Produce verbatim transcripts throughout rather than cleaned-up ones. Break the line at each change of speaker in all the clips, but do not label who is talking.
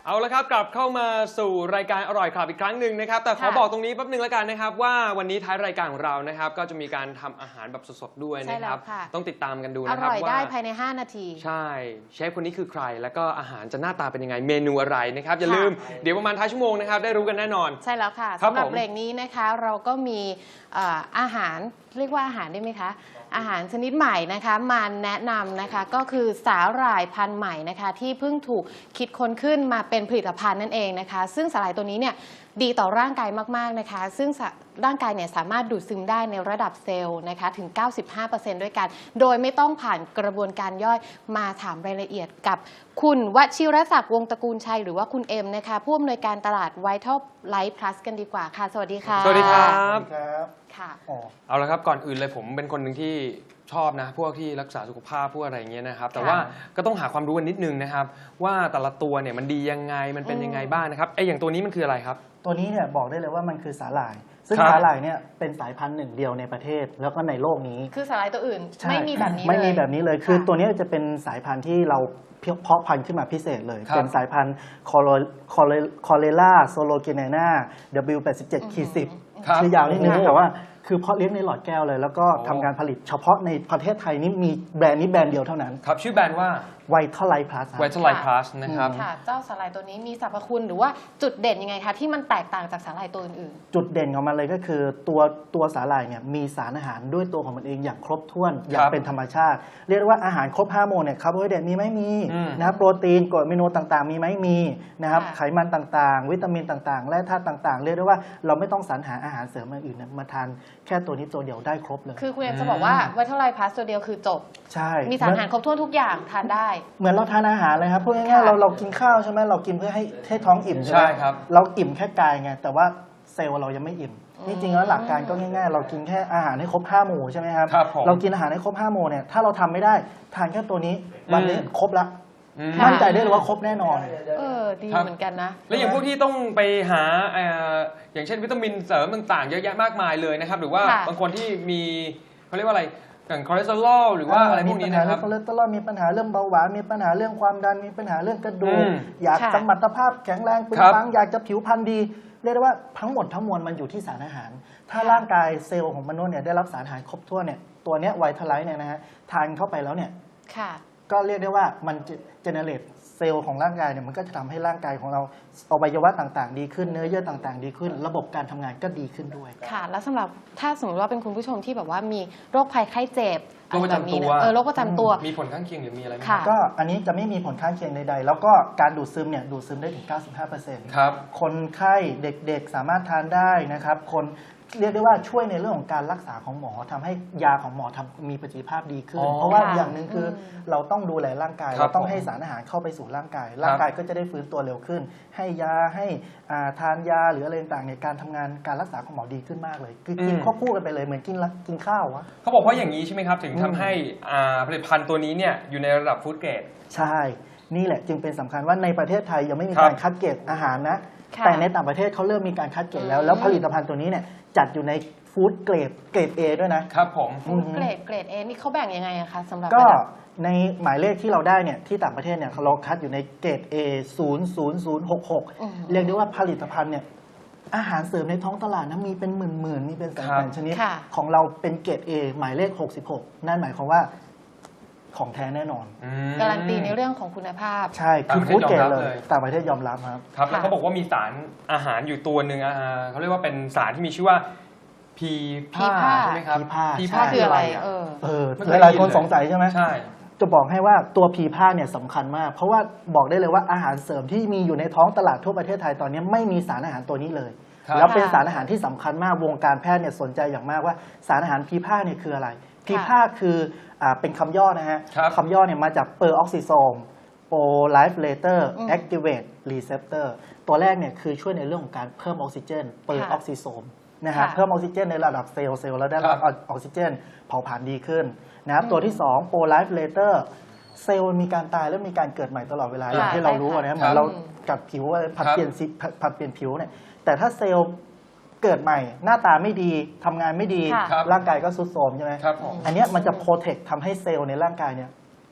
เอาละครับกลับเข้ามาสู่รายการอร่อยครับอีกครั้งหนึ่งนะครับแต่ขอบอกตรงนี้แป๊บนึงแล้วกันนะครับว่าวันนี้ท้ายรายการของเรานะครับก็จะมีการทำอาหารแบบสดๆด้วยนะครับต้องติดตามกันดูนะครับว่าอร่อย
ได้ภายในห้านาที
ใช่เชฟคนนี้คือใครแล้วก็อาหารจะหน้าตาเป็นยังไงเมนูอะไรนะครับอย่าลืมเดี๋ยวประมาณท้ายชั่วโมงนะครับได้รู้กันแน่นอน
ใช่แล้วค่ะสำหรับเบรกนี้นะคะเราก็มีอาหารเรียกว่าอาหารได้ไหมคะอาหารชนิดใหม่นะคะมาแนะนำนะคะก็คือสาหร่ายพันธุ์ใหม่นะคะที่เพิ่งถูกคิดค้นขึ้นมาเป็นผลิตภัณฑ์นั่นเองนะคะซึ่งสาหร่ายตัวนี้เนี่ยดีต่อร่างกายมากๆนะคะซึ่งร่างกายเนี่ยสามารถดูดซึมได้ในระดับเซลล์นะคะถึง เก้าสิบห้าเปอร์เซ็นต์ ด้วยกันโดยไม่ต้องผ่านกระบวนการย่อยมาถามรายละเอียดกับคุณวชิรศักดิ์วงศ์ตระกูลชัยหรือว่าคุณเอ็มนะคะผู้อำนวยการตลาด Vital Life Plus กันดีกว่าค่ะสวัสดีค่ะ
สวัสดีครับ
ค่ะ
เอาละครับก่อนอื่นเลยผมเป็นคนหนึ่งที่ชอบนะพวกที่รักษาสุขภาพพวกอะไรอย่างเงี้ยนะครับแต่ว่าก็ต้องหาความรู้กันนิดนึงนะครับว่าแต่ละตัวเนี่ยมันดียังไงมันเป็นยังไงบ้างนะครับไออย่างตัวนี้มันคืออะไรครับ
ตัวนี้เนี่ยบอกได้เลยว่ามันคือสาหร่ายซึ่งสาหร่ายเนี่ยเป็นสายพันธุ์หนึ่งเดียวในประเทศแล้วก็ในโลกนี้
คือสาหร่ายตัวอื่นไม่มีแบบนี้เลย
ไม่มีแบบนี้เลยคือตัวนี้จะเป็นสายพันธุ์ที่เราเพาะพันธุ์ขึ้นมาพิเศษเลยเป็นสายพันธุ์คอเลล่าโซโลเกเนนา ดับเบิลยู แปดสิบเจ็ด สิบชื่อยาวนิดนึงแต่ว่าคือเพาะเลี้ยงในหลอดแก้วเลยแล้วก็ทำการผลิตเฉพาะในประเทศไทยนี่มีแบรนด์นี้แบรนด์เดียวเท่านั้น
ครับชื่อแบรนด์ว่า
Vital Life Plus
Vital Life Plus นะครับ
ค่ะเจ้าสาหร่ายตัวนี้มีสรรพคุณหรือว่าจุดเด่นยังไงคะที่มันแตกต่างจากสาหร่ายตัวอื่น
ๆจุดเด่นของมันเลยก็คือตัวตัวสาหร่ายเนี่ยมีสารอาหารด้วยตัวของมันเองอย่างครบถ้วนอย่างเป็นธรรมชาติเรียกว่าอาหารครบห้าหมู่เนี่ยคาร์โบไฮเดรตมีไหมมีนะครับโปรตีนกรดอะมิโนต่างๆมีไหมมีนะครับไขมันต่างๆวิตามินต่างๆและธาตุต่างๆเรียกได้ว่าเราไม่ต้องสรรหาอาหารเสริมอื่นมาทานแค่ตัวนี้ตัวเดียวได้ครบเลย
คือคุณเอ็มจะบอกว่า Vital Life Plus ตัวเดียวคือจบ
ใช่
มีสารอาหารครบถ้วนทุกอย่างทานได้
เหมือนเราทานอาหารเลยครับพูดง่ายๆเราเรากินข้าวใช่ไหมเรากินเพื่อให้ให้ท้องอิ่มใช่ไหมเราอิ่มแค่กายไงแต่ว่าเซลล์เรายังไม่อิ่มนี่จริงแล้วหลักการก็ง่ายๆเรากินแค่อาหารให้ครบห้าหมู่ใช่ไหมครับเรากินอาหารให้ครบห้าหมู่เนี่ยถ้าเราทำไม่ได้ทานแค่ตัวนี้วันนี้ครบละมั่นใจได้เลยว่าครบแน่นอน
เออดีเหมือนกันนะ
แล้วอย่างพวกที่ต้องไปหาอย่างเช่นวิตามินเสริมต่างๆเยอะแยะมากมายเลยนะครับหรือว่าบางคนที่มีเขาเรียกว่าอะไรอย่างคอเลสเตอรอลหรือว่าอะไรพวกนี้นะครับ
คอเลสเตอรอลมีปัญหาเรื่องเบาหวานมีปัญหาเรื่องความดันมีปัญหาเรื่องกระดูกอยากสมรรถภาพแข็งแรงปึงปังอยากจะผิวพรรณดีเรียกได้ว่าทั้งหมดทั้งมวลมันอยู่ที่สารอาหารถ้าร่างกายเซลล์ของมนุษย์เนี่ยได้รับสารอาหารครบถ้วนเนี่ยตัวเนี้ยไวท์ไลท์เนี่ยนะฮะทานเข้าไปแล้วเนี่ยก็เรียกได้ว่ามันเจเนเรตเซลล์ของร่างกายเนี่ยมันก็จะทำให้ร่างกายของเราอวัยวะต่างๆดีขึ้นเนื้อเยื่อต่างๆดีขึ้นระบบการทำงานก็ดีขึ้นด้วย
ค่ะแล้วสำหรับถ้าสมมติว่าเป็นคุณผู้ชมที่แบบว่ามีโรคภัยไข้เจ็บ
โรคประจำตัว
เออโรคประจำตัว
มีผลข้างเคียงหรือมีอะไรไหม
ก็อันนี้จะไม่มีผลข้างเคียงใดๆแล้วก็การดูดซึมเนี่ยดูดซึมได้ถึง เก้าสิบห้าเปอร์เซ็นต์
ครับ
คนไข้เด็กๆสามารถทานได้นะครับคนเรียกได้ว่าช่วยในเรื่องของการรักษาของหมอทำให้ยาของหมอทำมีประสิทธิภาพดีขึ้นเพราะว่าอย่างหนึ่งคือเราต้องดูแลร่างกายเราต้องให้สารอาหารเข้าไปสู่ร่างกายร่างกายก็จะได้ฟื้นตัวเร็วขึ้นให้ยาให้ทานยาหรืออะไรต่างๆในการทำงานการรักษาของหมอดีขึ้นมากเลยคือกินควบคู่กันไปเลยเหมือนกินกินข้าววะ
เขาบอกว่าอย่างนี้ใช่ไหมครับถึงทำให้ผลิตภัณฑ์ตัวนี้เนี่ยอยู่ในระดับฟู้ดเกรด
ใช่นี่แหละจึงเป็นสำคัญว่าในประเทศไทยยังไม่มีการคัดเกรดอาหารนะแต่ในต่างประเทศเขาเริ่มมีการคัดเกรดแล้วแล้วผลิตภัณฑ์ตัวนี้เนี่ยจัดอยู่ในฟู้ดเกรดเกรด A ด้วยนะครับ
ผม
ฟู้ดเกรดเกรด A นี่เขาแบ่งยังไงอะคะสำหรับ
ก็ในหมายเลขที่เราได้เนี่ยที่ต่างประเทศเนี่ยเราคัดอยู่ในเกรด A ศูนย์ ศูนย์ ศูนย์ หก หกเรียกได้ว่าผลิตภัณฑ์เนี่ยอาหารเสริมในท้องตลาดนะมีเป็นหมื่นๆมีเป็นแสนๆชนิดของเราเป็นเกรด A หมายเลขหกสิบหกนั่นหมายความว่าของแท้แน่นอน
การันตีในเรื่องของคุณภาพ
ใช่คือฟู้ดเกรดเลยต่างประเทศยอมรับครับ
ครับแล้วเขาบอกว่ามีสารอาหารอยู่ตัวหนึ่งเขาเรียกว่าเป็นสารที่มีชื่อว่าพีผ้าใช่ไหมครับ
พี
ผ้าคืออะไรเออ
เออหลายคนสงสัยใช่ไหมใช่จะบอกให้ว่าตัวพีผ้าเนี่ยสำคัญมากเพราะว่าบอกได้เลยว่าอาหารเสริมที่มีอยู่ในท้องตลาดทั่วประเทศไทยตอนนี้ไม่มีสารอาหารตัวนี้เลยแล้วเป็นสารอาหารที่สำคัญมากวงการแพทย์เนี่ยสนใจอย่างมากว่าสารอาหารพีผ้าเนี่ยคืออะไรพีผ้าคือเป็นคำย่อนะฮะคำย่อเนี่ยมาจากเปอร์ออกซิโซมโปรไลฟ์เลเตอร์แอคทีเวตรีเซปเตอร์ตัวแรกเนี่ยคือช่วยในเรื่องของการเพิ่มออกซิเจนเปอร์ออกซิโซมนะฮะเพิ่มออกซิเจนในระดับเซลล์เซลล์แล้วได้รับออกซิเจนเผาผลาญดีขึ้นนะครับตัวที่สองโปรไลฟ์เลเตอร์เซลล์มีการตายแล้วมีการเกิดใหม่ตลอดเวลาอย่างที่เรารู้นะเหมือนเรากัดผิวผัดเปลี่ยนผัดเปลี่ยนผิวเนี่ยแต่ถ้าเซลล์เกิดใหม่หน้าตาไม่ดีทำงานไม่ดีร่างกายก็ทรุดโทรมใช่ไหมอันนี้มันจะโปรเทคทำให้เซลล์ในร่างกายเนี่ย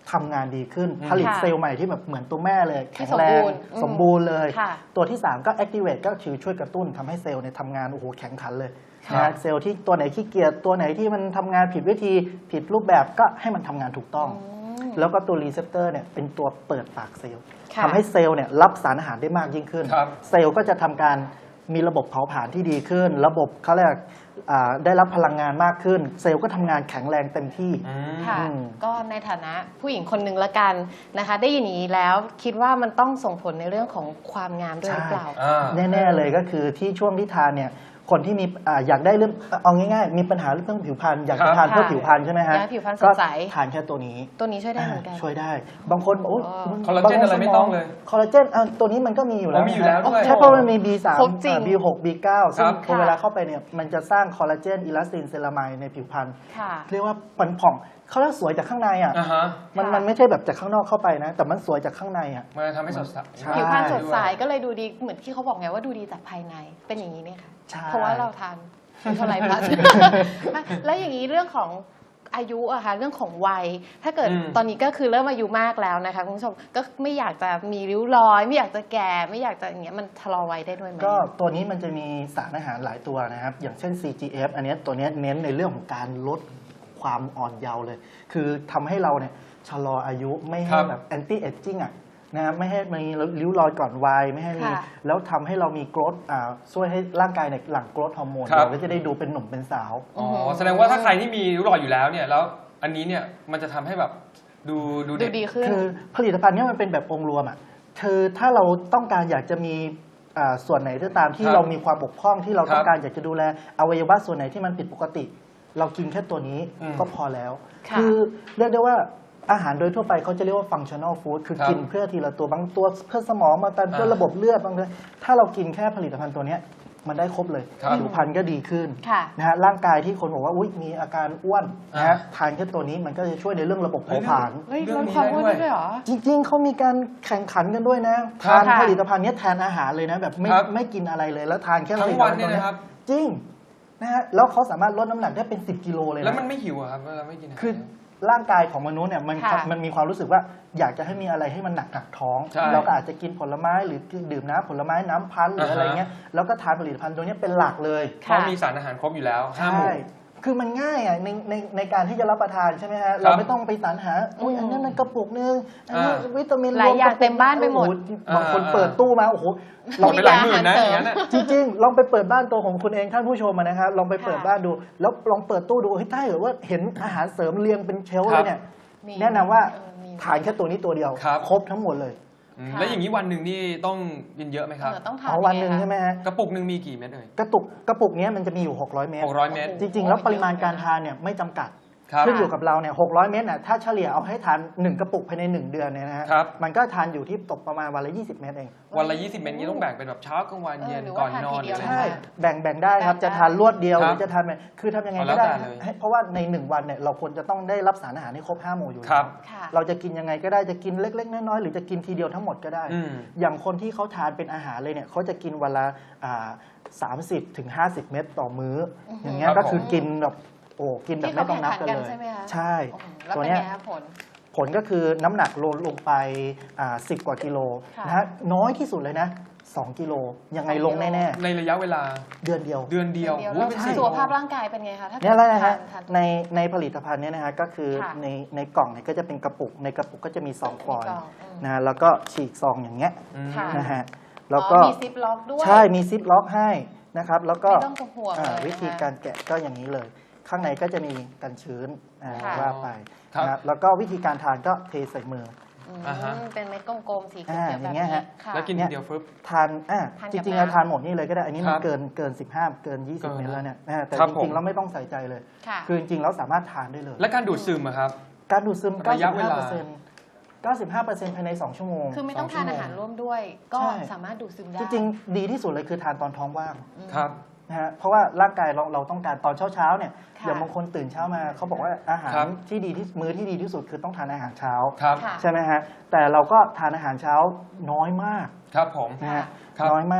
ทำงานดีขึ้น
อืม
ผลิต
ค่ะ
เซลล์ใหม่ที่แบบเหมือนตัวแม่เลย
ที่
แข็งแรง
สมบูรณ์อืม
สมบูรณ์เลย
ค่ะ
ตัวที่ สาม ก็ activate ก็คือช่วยกระตุ้นทำให้เซลล์เนี่ยทำงานโอ้โหแข็งขันเลย
ครับ
นะฮะเซลล์ที่ตัวไหนขี้เกียจตัวไหนที่มันทำงานผิดวิธีผิดรูปแบบก็ให้มันทำงานถูกต้อง
อืม
แล้วก็ตัวรีเซพเตอร์เนี่ยเป็นตัวเปิดปากเซลล์
ค่ะ
ทำให้เซลล์เนี่ยรับสารอาหารได้มากยิ่งขึ้น
ครับ
เซลล์ก็จะทำการมีระบบเผาผลาญที่ดีขึ้น ระบบเขาเรียกอ่าได้รับพลังงานมากขึ้น เซลล์ก็ทำงานแข็งแรงเต็มที่
อืม
ค่ะ
อืม
ก็ในฐานะผู้หญิงคนหนึ่งละกันนะคะ ได้ยินอย่างนี้แล้วคิดว่ามันต้องส่งผลในเรื่องของความงามด้วยหรือเปล่า
อ่า
แน่ๆเลยก็คือที่ช่วงที่ทานเนี่ยคนที่มีอ่าอยากได้เรื่องเอาง่ายๆ มีปัญหาเรื่องผิวพรรณอยากจะ
ครับ
ทานเพื่อ
ค่ะ
ผิวพรรณใช่ไหมฮะ
อยากให้ผิวพรรณส
ก็
ดใส
ทานแค่ตัวนี้
ตัวนี้ช่วยได้เหมือนกัน
ช่วยได้ บางคนบอกโอ้ย
อ๋อ
คอลลาเจนอะไรไม่ต้องเลย
คอลลาเจนอ่ะตัวนี้มันก็มีอยู่แล้ว
อ๋อมีอยู่แล้วด้วย
ใช่เพราะมันมี บี สาม
ครบจริง
บี หก บี เก้า ซึ่ง
ครับ
พอเวลาเข้าไปเนี่ยมันจะสร้างคอลลาเจนอิลาสตินเซรามายในผิวพรรณ
ค่ะ
เรียกว่าปันผ่องเขาเรียกสวยจากข้างในอ่ะ
อ่าฮะ
มัน
ค่ะ
มันไม่ใช่แบบจากข้างนอกเข้าไปนะ แต่มันสวยจากข้างในอ่ะ
มันจะทำให้สดใส
ใช่
ผิวพรรณสดใสก็เลยดูดีเหมือนที่เขาบอกไงว่าดูดีจากภายในเป็นอย่างนี้เนี่ยค่ะ
ใช่
เพราะว่าเราทานเป็นเท่าไหร่พลัส แล้วอย่างนี้เรื่องของอายุอะค่ะเรื่องของวัย ถ้าเกิด
อืม
ตอนนี้ก็คือเริ่มอายุมากแล้วนะคะคุณผู้ชมก็ไม่อยากจะมีริ้วรอย ไม่อยากจะแก่ไม่อยากจะอย่างเงี้ยมันชะลอวัยได้ด้วยไหม
ก็ตัวนี้มันจะมีสารอาหารหลายตัวนะครับ อย่างเช่น ซี จี เอฟ อันเนี้ยตัวเนี้ยเน้นในเรื่องของการลดความอ่อนเยาว์เลย คือทำให้เราเนี่ยชะลออายุไม่
ค
ให้
รับ
แบบ anti aging อ่ะนะครับไม่ให้มีริ้วรอยก่อนวัยไม่ให้มี
ค่ะ
แล้วทำให้เรามีโกรทอ่าช่วยให้ร่างกายเนี่ยหลั่งโกรทฮอร์โมน
ครับ
เราก็จะได้ดูเป็นหนุ่มเป็นสาว
อ๋อแสดงว่าถ้าใครที่มีริ้วรอยอยู่แล้วเนี่ยแล้วอันนี้เนี่ยมันจะทำให้แบบดูดู
ดู
เด็ก
ดีขึ้น
คือผลิตภัณฑ์เนี้มันเป็นแบบองค์รวมอ่ะคือถ้าเราต้องการอยากจะมีอ่าส่วนไหนก็ตามที่
ครับ
เรามีความบกพร่องที่เราต้อง
ครับ
การอยากจะดูแลอวัยวะส่วนไหนที่มันผิดปกติ เรากินแค่ตัวนี้
อืม
ก็พอแล้ว
ค่ะ
คือเรียกได้ว่าอาหารโดยทั่วไปเขาจะเรียกว่า functional food คือ
ครับ
กินเพื่อทีละตัวบางตัวเพื่อสมองบางตัวเพื่อ
อ่า
ระบบเลือดบางตัวถ้าเรากินแค่ผลิตภัณฑ์ตัวเนี้ยมันได้ครบเลย
ครับ
ผิวพรรณก็ดีขึ้น
ค่ะ
นะฮะร่างกายที่คนบอกว่าอุ๊ยมีอาการอ้วนนะฮะ
อ่า
ทานแค่ตัวนี้มันก็จะช่วยในเรื่องระบบเผาผลาญ
เฮ้ย
เรื่
ล
อง
ด
นี้
ความ
ได้
อ้วน
ด้วย
ได้ด้วยเหรอ
จริงๆ เขามีการแข่งขันกันด้วยนะ
ครั
ทา
บ
น
ค่ะ
ผลิตภัณฑ์เนี้ยแทนอาหารเลยนะ แบบไม่
ครับ
ไม่กินอะไรเลย แล้วทานแค่ผ
ทั้
ลิ
ง
ต
วัน
ภัณฑ์
เนี่
ตั
ยว
เนี้
นะ
ย
ครับ
จริงนะฮะแล้วเขาสามารถลดน้ำหนักได้เป็นสิบกิโลเลยนะ
แล้วมันไม่หิวอะครับเวลาไม่กินอาหาร
คือร่างกายของมนุษย์เนี่ยมัน
ค่ะ
มันมีความรู้สึกว่าอยากจะให้มีอะไรให้มันหนักหนักๆท้อง
ใช่
เราก็อาจจะกินผลไม้หรือดื่มน้ำผลไม้น้ำพันธุ์หรืออะไรเงี้ยแล้วก็ทานผลิตภัณฑ์ตัวเนี้ยเป็นหลักเลย
เพราะมีสารอาหารครบอยู่แล้วห้าหมู่
ใช่ คือมันง่ายอ่ะในในในการที่จะรับประทานใช่ไหมฮะ เราไม่ต้องไปสรรหาอุ้ยอันนั้นมันกระปุกนึงอันนี้
อ่า
วิตามิน
หลายอย่าง
รวกระปุก
เต็มบ้านไปหมด
โอ้โบางคนเปิดตู้มาโอ้โห
หมดไปหลายหมื่นนะอย่างนั้นอะ
จริงๆ ลองไปเปิดบ้านตัวของคุณเองท่านผู้ชมอะนะครับลองไปเปิด
ค่ะ
บ้านดู แล้วลองเปิดตู้ดูเฮ้ยถ้าเกิดว่าเห็นอาหารเสริมเรียงเป็นเชลฟ์เลยเนี่ย
มี
แนะนำว่า
เออมี
ทานแค่ตัวนี้ตัวเดียว
ครับ
ครบทั้งหมดเลย
อืม
ค่ะ
แล้วอย่างนี้วันหนึ่งนี่ต้องกินเยอะไหมครับ
เออต้องทาน
เอาวันหนึ่ง
ยั
ใช่
ไง
ไหม
คะ
ฮะ
กระปุกหนึ่งมีกี่เม็ดเอ่ย
กระตุกกระปุกเนี้ยมันจะมีอยู่หกร้อยเมตร
หกร้อยเม็ด
จริง ๆ แล้วปริมาณการทานเนี่ยไม่จำกัด
ครับ
ขึ้นอยู่กับเราเนี่ยหกร้อยเมตรน่ะถ้าเฉลี่ยเอาให้ทานหนึ่งกระปุกภายในหนึ่งเดือนเนี่ยนะฮะ
ครับ
มันก็ทานอยู่ที่ตกประมาณวันละยี่สิบเมตรเอง
วันละยี่สิบเม็ดนี้ต้องแบ่งเป็นแบบเช้ากลางวัน
เออ
เย็น
หรือ
ก่
ว่า
อน
ทาน
นอ
ที
นห
เดี
รือ
ยว
อะไร
ใช่
เงี้ย
แบ่งแบ่งได้ครับ
แบ่งได้
จะทานรวดเดียว
ค
ห
รับ
รือจะทานแบบคือทำยังไง
เอาแล้
ก็
ว
ได้
แต่เลย
ให้เพราะว่าในหนึ่งวันเนี่ยเราควรจะต้องได้รับสารอาหารให้ครบห้าหมู่อยู่
ครับ
แล้ว
ค่ะ
เราจะกินยังไงก็ได้จะกินเล็กๆน้อยๆหรือจะกินทีเดียวทั้งหมดก็ได้
อืม
อย่างคนที่เขาทานเป็นอาหารเลยเนี่ยเขาจะกินวันละสามสิบถึงห้าสิบเม็ดต่อมื้ออ
อหือ
อย่างเงี้ย
ครับ
ก็คือ
ผม
กินแบบโอ้กินแบบไม่ต้องนับกัน
ที่
เล
เขาแข่งขันกัน
ย
ใช่ไหมคะ
ใช่
โอ้โหแล้ว
ตัว
เป็น
เนี้ย
ไงคะผล
ผลก็คือน้ำหนักลดลงไปสิบกว่ากิโล
ค่ะ
นะฮะน้อยที่สุดเลยนะสองกิโลยังไงลงแน่
ในระยะเวลา
ๆ เดือนเดียว
เดือนเดียว
เดียว
โอ้
แล้
ยว เป็นสิบ
สุขภาพร่างกายเป็นไงคะถ้า
เนี่ยแหละนะฮะ
ทานทานตัว
ในในผลิตภัณฑ์เนี้นะฮะก็คือ
ค่ะ
ในในกล่องเนี่ยก็จะเป็นกระปุก ในกระปุกก็จะมีซองฟอย
ในกล่
ล์
องอืม
นะฮะแล้วก็ฉีกซองอย่างเงี้ย
อืม
ค่ะ
นะฮะแล้วก็
อ๋อมีซิปล็อกด้วย
ใช่มีซิปล็อกให้นะครับแล้วก็
ไม่ต้องห่วง
อ่า
เลยนะคะ
วิธีการแกะก็อย่างนี้เลย ข้างในก็จะมีกันชื้นอ่า
ค่ะ
ว่าไป
ครับ
นะครับแล้วก็วิธีการทานก็เทใส่มือ
อืม
อ่าฮะ
เป็นเม็ดกลมๆสีเขียว
อ่า
ๆ
อ
แบบ
ย่างเงี้
นี้
ยฮะ
ค่ะ
แล้วกินทีเดียวฟึบ
ทานอ่ะ
ทานกับ
จริงๆ
น้ำ
เราทานหมดนี่เลยก็ได้ อันนี้มัน
ครับ
เกินเกินสิบห้าเกินยี่สิบ
เกิน
เมตรแล้วเนี่ยอ่าแต่
ครับ
จ
ผม
ริงๆเราไม่ต้องใส่ใจเลย
ค่ะ
คือจริงๆเราสามารถทานได้เลย
และการดูดซึมอะครับ
การดูดซึม
ระยะเวลา
เก้าสิบห้าเปอร์เซ็นต์ เก้าสิบห้าเปอร์เซ็นต์ภายในสองชั่วโมง
คือไม่ต้อง
ส
ทาน
ชั่
อาว
โม
หารร่วมด้วย ก็
ใช่
สามารถดูดซึมได้
จริงๆ ดีที่สุดเลยคือทานตอนท้องว่าง
อืม
ครับ
นะฮะเพราะว่าร่างกายเราเราต้องการตอนเช้าๆเนี่ย
ค่ะ
อย่างบางคนตื่นเช้ามาเขาบอกว่าอาหาร
ครับ
ที่ดีที่มื้อที่ดีที่สุดคือต้องทานอาหารเช้า
ครับ
ค่ะ
ใช่ไหมฮะแต่เราก็ทานอาหารเช้าน้อยมาก
ครับผม
นะฮะ
ครับ
น้อยมาก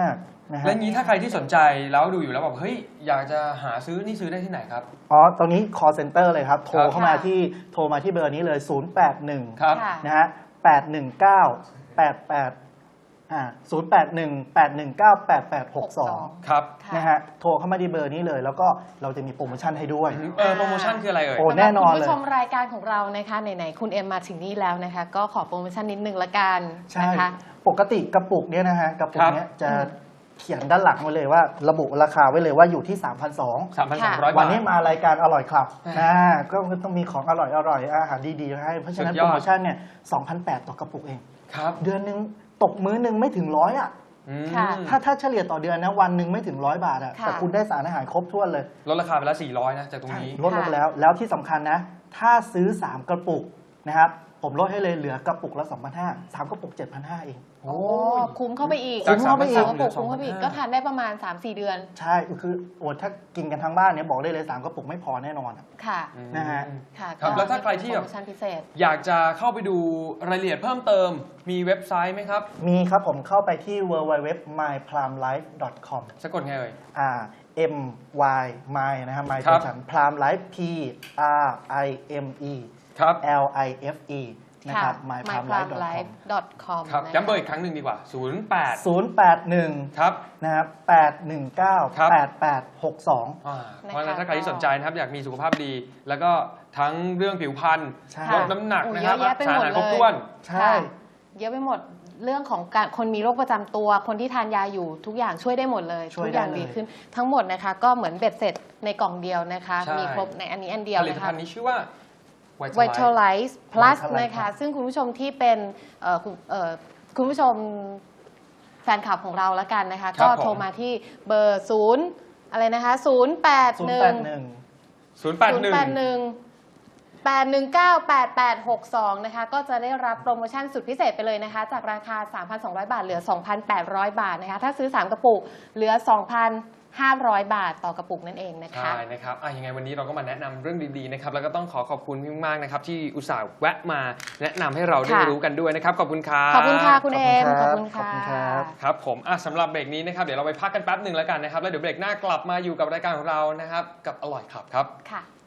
นะฮะ
แล้วงี้ถ้าใครที่สนใจแล้วดูอยู่แล้วแบบเฮ้ยอยากจะหาซื้อนี่ซื้อได้ที่ไหนครับ
อ๋อตรงนี้ call center เลยครับ โทร
ครับ
เข้ามาที่โทรมาที่เบอร์นี้เลย ศูนย์ แปด หนึ่ง
ครับ
ค่ะ
นะฮะแปด หนึ่ง เก้า แปด แปดอ่าศูนย์ แปด หนึ่ง แปด หนึ่ง เก้า แปด แปด หก สอง
ครับ
ค่ะ
นะฮะโทรเข้ามาที่เบอร์นี้เลย แล้วก็เราจะมีโปรโมชั่นให้ด้วย
เออโปรโมชั่นคืออะไรเอ่ย
โอ้ แน่นอนเลย
สำหรับคุณผู้ชมรายการของเรานะคะไหนๆคุณเอ็มมาถึงนี่แล้วนะคะ ก็ขอโปรโมชั่นนิดนึงละกัน
ใช่
นะคะ
ปกติกระปุกเนี้ยนะฮะกระปุก
ครับ
เนี้ยจะเขียนด้านหลังไว้เลยว่า ระบุราคาไว้เลยว่าอยู่ที่ สามพันสองร้อย
สามพันสามร้อย
วั
บาน ท
นี้มารายการอร่อยครับ
อ่า
อ่าก็ต้องมีของอร่อยอร่อยอาหารดีๆให้เพราะฉะนั้น
สุดยอด
โปรโมชั่นเนี่ย สองพันแปดร้อย ต่อกระปุกเอง
ครับ
เดือนหนึงตกมื้อหนึงไม่ถึงร้อยอ่ะ
อืม
ค่ะ
ถ้าถ้าเฉลี่ยต่อเดือนนะวันหนึ่งไม่ถึงร้อยบาทอ่ะ
ค่ะ
แต่คุณได้สารอาหารครบถ้วนเลย
ลดราคาไปแล้วสี่ร้อยนะจากตรงนี้
ลดลงไปแล้ว แล้วที่สำคัญนะ ถ้าซื้อ สาม กระปุกนะครับผมลดให้เลยเหลือกระปุกละ สองพันห้าร้อย สาม กระปุก เจ็ดพันห้าร้อย เอง
โอ้
โอ้
ย
คุ้มเข้าไปอีก
จาก
คุ้มเข้าไปอีก
สามกระปุก
เหลือ
คุ้มเข้าไปอีก
สองพันห้า
ก็ทานได้ประมาณ สามสี่ เดือน
ใช่คือโอ้ถ้ากินกันทั้งบ้านเนี่ยบอกได้เลย สาม กระปุกไม่พอแน่นอนอะ
ค่ะ
อืม
นะฮะ
ค่ะ
ครับ
ก็
แล้วถ้าใครที่แบบ
โปรโมชั่นพิเศษ
อยากจะเข้าไปดูรายละเอียดเพิ่มเติมมีเว็บไซต์ไหมครับ
มีครับผมเข้าไปที่ ดับเบิลยู ดับเบิลยู ดับเบิลยู ดอท my prime life ดอท คอม
สะกดไงเอ่ย
อ่า m y my นะครับ my
ครับ
ตัวฉัน prime life p r i m e
ครับ
l i f e นะครับ my prime life ดอท คอม
ดอท คอม
ครับย้ำเบอร์อีกครั้งหนึ่งดีกว่า ศูนย์ แปด
ศูนย์ แปด หนึ่ง
ครับ
นะครับแปด หนึ่ง เก้า
ครับ
แปด แปด หก สอง
อ่า
นะคะ
เพราะฉะนั้นถ้าใครที่สนใจนะครับอยากมีสุขภาพดี แล้วก็ทั้งเรื่องผิวพรรณ
ใช่
ลดน้ำหนัก
โอ้
นะครับ
เยอะแยะไป
สาร
หมด
อาหารครบ
เลย
ถ้วน
ใช่
ค่ะเยอะไปหมดเรื่องของการคนมีโรคประจำตัว คนที่ทานยาอยู่ทุกอย่างช่วยได้หมมดเลย
ช่วย
ทุกอย่าง
ได้เลย
ดีขึ้น ทั้งหมดนะคะก็เหมือนเบ็ดเสร็จในกล่องเดียวนะคะ
ใช่
มีครบในอันนี้อันเดียว
ผลิต
นะ
ภั
คะ
ณฑ์นี้ชื่อว่า Vitalize
Vitalize Plus
Vitalize
นะคะ
ครับ
ซึ่งคุณผู้ชมที่เป็นเอ่อคุณเอ่อคุณผู้ชมแฟนคลับของเราแล้วกันนะคะ
ครั
ก็
บผม
โทรมาที่เบอร์ศูนย์อะไรนะคะศูนย์แปด
ศูน
ห
ย์
นึ่
แป
ง
ดหนึ่ง
ศูนย์แปดหนึ่ง
แปดหนึ่ง แปดหนึ่งเก้า แปดแปดหกสองนะคะก็จะได้รับโปรโมชั่นสุดพิเศษไปเลยนะคะ จากราคา สามพันสองร้อย บาท เหลือ สองพันแปดร้อย บาทนะคะถ้าซื้อ สาม กระปุกเหลือ สองพันห้าร้อย บาทต่อกระปุกนั่นเองนะคะ
ใช่นะครับอ่ะยังไงวันนี้เราก็มาแนะนำเรื่องดีๆนะครับแล้วก็ต้องขอขอบคุณพี่มากๆนะครับที่อุตส่าห์แวะมาแนะนำให้เราได้
ค่ะ
รู้กันด้วยนะครับขอบคุณครับ
ขอบคุณค่ะคุณเอม
ข
ข
อ
อ
บบ คุ
คุณ ณ
ครั
ค่ะ
บขอบคุณครับ
ครับผมอ่ะสำหรับเบรกนี้นะครับเดี๋ยวเราไปพักกันแป๊บหนึ่งแล้วกันนะครับแล้วเดี๋ยวเบรกหน้ากลับมาอยู่กับรายการของเรานะครับกับอร่อยขับครับ
ค่ะ